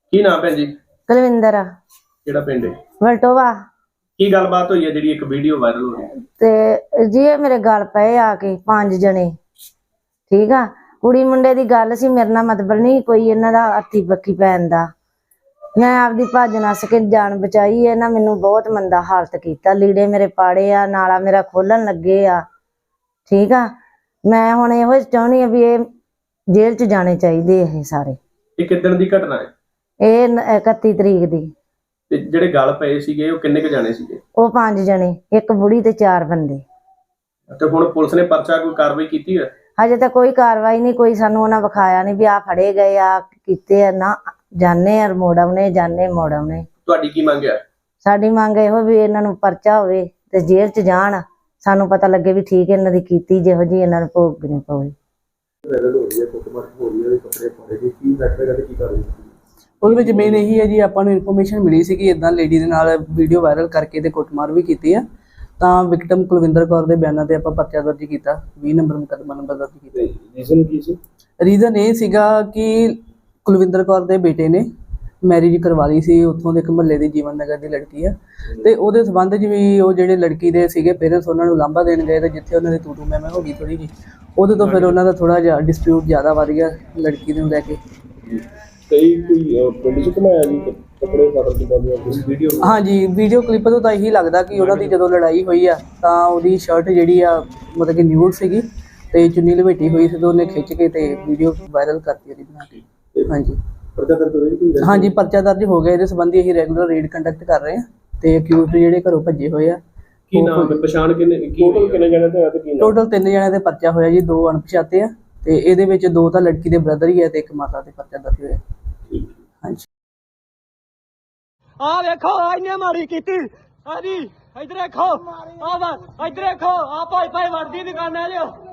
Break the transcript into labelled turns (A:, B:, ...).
A: ਕੀ ਨਾਮ ਭੈਣ ਜੀ?
B: ਕੁਲਵਿੰਦਰ।
A: ਕਿਹੜਾ ਪਿੰਡ ਹੈ?
B: ਵਲਟੋਵਾ।
A: ਕੀ ਗੱਲਬਾਤ ਹੋਈ ਹੈ ਜਿਹੜੀ ਇੱਕ ਵੀਡੀਓ ਵਾਇਰਲ ਹੋ ਰਹੀ ਹੈ?
B: ਤੇ ਜੀ ਇਹ ਮੇਰੇ ਗਲ ਪਏ ਆ ਕੇ 5 ਜਣੇ। ਠੀਕ ਆ, ਕੁੜੀ ਮੁੰਡੇ ਦੀ ਗੱਲ ਸੀ, ਮੇਰੇ ਨਾਲ ਮਤਲਬ ਨਹੀਂ ਕੋਈ ਇਹਨਾਂ ਦਾ ਹੱਥੀ ਬੱਕੀ ਪੈਣ ਦਾ। ਮੈਂ ਆਪਦੀ ਭੱਜ ਨੱਸ ਕੇ ਜਾਨ ਬਚਾਈ। ਇਹਨਾਂ ਮੈਨੂੰ ਬਹੁਤ ਮੰਦਾ ਹਾਲਤ ਕੀਤਾ, ਲੀੜੇ ਮੇਰੇ ਪਾੜੇ ਆ, ਨਾਲਾ ਮੇਰਾ ਖੋਲਣ ਲੱਗੇ ਆ। ਠੀਕ ਆ, ਮੈਂ ਹੁਣ ਇਹੋ ਚਾਹੁੰਦੀ ਆ ਵੀ ਇਹ ਜੇਲ੍ਹ 'ਚ ਜਾਣੇ ਚਾਹੀਦੇ ਇਹ ਸਾਰੇ।
A: ਇਹ ਕਿੱਦਣ ਦੀ ਘਟਨਾ ਹੈ?
B: ਇਹ 31 ਤਰੀਕ ਦੀ।
A: ਤੇ ਜਿਹੜੇ ਗਲ ਪਏ ਸੀਗੇ ਉਹ ਕਿੰਨੇ ਕ ਜਾਣੇ ਸੀਗੇ?
B: ਉਹ 5 ਜਣੇ, ਇੱਕ ਬੁੜੀ ਤੇ 4 ਬੰਦੇ।
A: ਤੇ ਹੁਣ ਪੁਲਿਸ ਨੇ ਪਰਚਾ ਕੋਈ ਕਾਰਵਾਈ ਕੀਤੀ ਹੈ?
B: ਹਜੇ ਤਾਂ ਕੋਈ ਕਾਰਵਾਈ ਨਹੀਂ, ਕੋਈ ਸਾਨੂੰ ਉਹਨਾਂ ਵਿਖਾਇਆ ਨਹੀਂ ਵੀ ਆ ਫੜੇ ਗਏ ਆ ਕੀਤੇ ਆ। ਨਾ ਜਾਣੇ ਆ ਮੋੜ ਆਉਣੇ, ਜਾਣੇ ਮੋੜ ਆਉਣੇ।
A: ਤੁਹਾਡੀ ਕੀ ਮੰਗ ਹੈ?
B: ਸਾਡੀ ਮੰਗ ਇਹੋ ਵੀ ਇਹਨਾਂ ਨੂੰ ਪਰਚਾ ਹੋਵੇ ਤੇ ਜੇਲ੍ਹ 'ਚ ਜਾਣ, ਸਾਨੂੰ ਪਤਾ ਲੱਗੇ ਵੀ ਠੀਕ ਇਹਨਾਂ ਦੀ ਕੀਤੀ ਜਿਹੋ ਜਿਹੀ ਇਹਨਾਂ ਨੂੰ ਭੋਗਣੀ ਪਵੇ।
C: ਉਹਦੇ ਵਿੱਚ ਮੇਨ ਇਹੀ ਹੈ ਜੀ, ਆਪਾਂ ਨੂੰ ਇਨਫੋਰਮੇਸ਼ਨ ਮਿਲੀ ਸੀ ਕਿ ਇਦਾਂ ਲੇਡੀ ਦੇ ਨਾਲ ਵੀਡੀਓ ਵਾਇਰਲ ਕਰਕੇ ਤੇ ਕੁੱਟਮਾਰ ਵੀ ਕੀਤੀ ਆ। ਤਾਂ ਵਿਕਟਮ ਕੁਲਵਿੰਦਰ ਕੌਰ ਦੇ ਬਿਆਨਾਂ ਤੇ ਆਪਾਂ ਪਰਚਾ ਦਰਜ ਕੀਤਾ, 20 ਨੰਬਰ ਮੁਕੱਦਮਾ ਨੰਬਰ ਦਰਜ ਕੀਤਾ।
A: ਰੀਜ਼ਨ ਕੀ ਸੀ?
C: ਰੀਜ਼ਨ ਇਹ ਸੀਗਾ ਕਿ ਕੁਲਵਿੰਦਰ ਕੌਰ ਦੇ ਬੇਟੇ ਨੇ ਮੈਰਿਜ ਕਰਵਾ ਲਈ ਸੀ, ਉੱਥੋਂ ਦੇ ਇੱਕ ਮੁਹੱਲੇ ਦੀ ਜੀਵਨ ਨਗਰ ਦੀ ਲੜਕੀ ਆ। ਤੇ ਉਹਦੇ ਸੰਬੰਧ 'ਚ ਵੀ ਉਹ ਜਿਹੜੇ ਲੜਕੀ ਦੇ ਸੀਗੇ ਪੇਰੈਂਟਸ ਉਹਨਾਂ ਨੂੰ ਲਾਂਭਾ ਦੇਣ ਗਏ ਤੇ ਜਿੱਥੇ ਉਹਨਾਂ ਦੀ ਤੂੰ ਮੈਂ ਹੋ ਗਈ ਥੋੜੀ ਜਿਹੀ, ਉਹਦੇ ਤੋਂ ਫਿਰ ਉਹਨਾਂ ਦਾ ਥੋੜਾ ਜਿਹਾ ਡਿਸਪਿਊਟ ਜ਼ਿਆਦਾ ਵੱਧ ਗਿਆ ਲੜਕੀ ਨੂੰ ਲੈ ਕੇ। ਹਾਂਜੀ, ਵੀਡੀਓ ਕਲਿੱਪ ਤੋਂ ਤਾਂ ਇਹੀ ਲੱਗਦਾ ਕਿ ਉਹਨਾਂ ਦੀ ਜਦੋਂ ਲੜਾਈ ਹੋਈ ਆ ਤਾਂ ਉਹਦੀ ਸ਼ਰਟ ਜਿਹੜੀ ਆ ਮਤਲਬ ਕਿ ਨਿਊਡ ਸੀਗੀ ਤੇ ਚੁੰਨੀ ਲਪੇਟੀ ਹੋਈ ਸੀ, ਤੇ ਉਹਨੇ ਖਿੱਚ ਕੇ ਤੇ ਵੀਡੀਓ ਵਾਇਰਲ ਕਰਤੀ ਉਹਦੀ ਬਣਾ ਕੇ। ਹਾਂਜੀ ਹਾਂਜੀ, ਪਰਚਾ ਦਰਜ ਹੋ ਗਿਆ। ਇਹਦੇ ਸੰਬੰਧੀ ਅਸੀਂ ਰੈਗੂਲਰ ਰੇਡ ਕੰਡਕਟ ਕਰ ਰਹੇ ਹਾਂ ਤੇ ਅਕਿਊਜ਼ਡ ਜਿਹੜੇ ਘਰੋਂ ਭੱਜੇ ਹੋਏ ਆ।
A: ਕੀ ਨਾਮ ਹੈ? ਪਛਾਣ ਟੋਟਲ ਕਿੰਨੇ ਜਣੇ ਤੇ ਆ ਤੇ ਕੀ?
C: ਟੋਟਲ 3 ਜਣਿਆਂ ਦੇ ਪਰਚਾ ਹੋਇਆ ਜੀ, 2 ਅਣਪਛਾਤੇ ਆ ਤੇ ਇਹਦੇ ਵਿੱਚ 2 ਤਾਂ ਲੜਕੀ ਦੇ ਬ੍ਰਦਰ ਹੀ ਆ ਤੇ 1 ਮਾਤਾ ਤੇ ਪਰਚਾ ਦਰਜ ਹੋਇਆ। ਹਾਂਜੀ,
D: ਆ ਵੇਖੋ ਇਹਨੇ ਮਾਰੀ ਕੀਤੀ। ਹਾਂਜੀ ਇਧਰ ਦੇਖੋ, ਆ ਬਸ ਇਧਰ ਦੇਖੋ, ਆ ਭਾਈ ਭਾਈ ਵਰਦੀ ਦੁਕਾਨਾਂ ਜੋ